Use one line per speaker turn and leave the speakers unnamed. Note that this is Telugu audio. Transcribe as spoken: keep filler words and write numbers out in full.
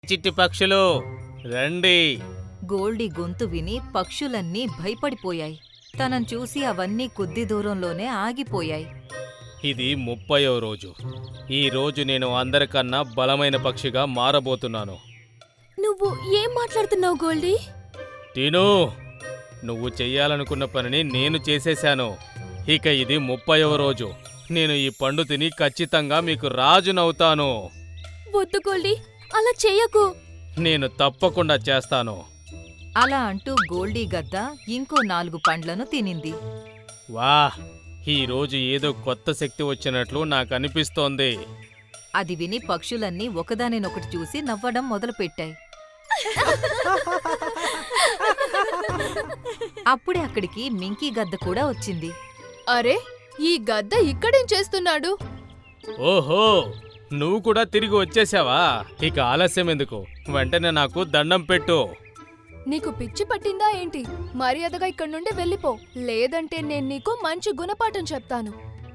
చిట్టి పక్షులు రండి.
గోల్డీ గొంతు విని పక్షులన్నీ భయపడిపోయాయి. తనను చూసి అవన్నీ కొద్ది దూరంలోనే ఆగిపోయాయి.
ఇది ముప్పయో రోజు. ఈ రోజు నేను అందరికన్నా బలమైన పక్షిగా మారబోతున్నాను.
నువ్వు ఏం మాట్లాడుతున్నావు గోల్డీ?
టీను, నువ్వు చెయ్యాలనుకున్న పనిని నేను చేసేశాను. ఇక ఇది ముప్పయో రోజు. నేను ఈ పండు తిని ఖచ్చితంగా మీకు రాజునవుతాను.
వద్దు గోల్డీ, అలా చెయ్యకు.
నేను తప్పకుండా చేస్తాను.
అలా అంటూ గోల్డీ గద్ద ఇంకో నాలుగు పండ్లను తినింది.
వాహ్, ఈ రోజు ఏదో కొత్త శక్తి వచ్చినట్లు నాకు అనిపిస్తోంది.
అది విని పక్షులన్నీ ఒకదానినొకటి చూసి నవ్వడం మొదలుపెట్టాయి. అప్పుడే అక్కడికి మింకీ గద్ద కూడా వచ్చింది.
అరే, ఈ గద్ద ఇక్కడేం చేస్తున్నాడు?
ఓహో, నువ్వు కూడా తిరిగి వచ్చేసావా? ఇక ఆలస్యం ఎందుకు, వెంటనే నాకు దండం పెట్టు.
నీకు పిచ్చి పట్టిందా ఏంటి? మర్యాదగా ఇక్కడి నుండి వెళ్ళిపో, లేదంటే నేను నీకు మంచి గుణపాఠం చెప్తాను.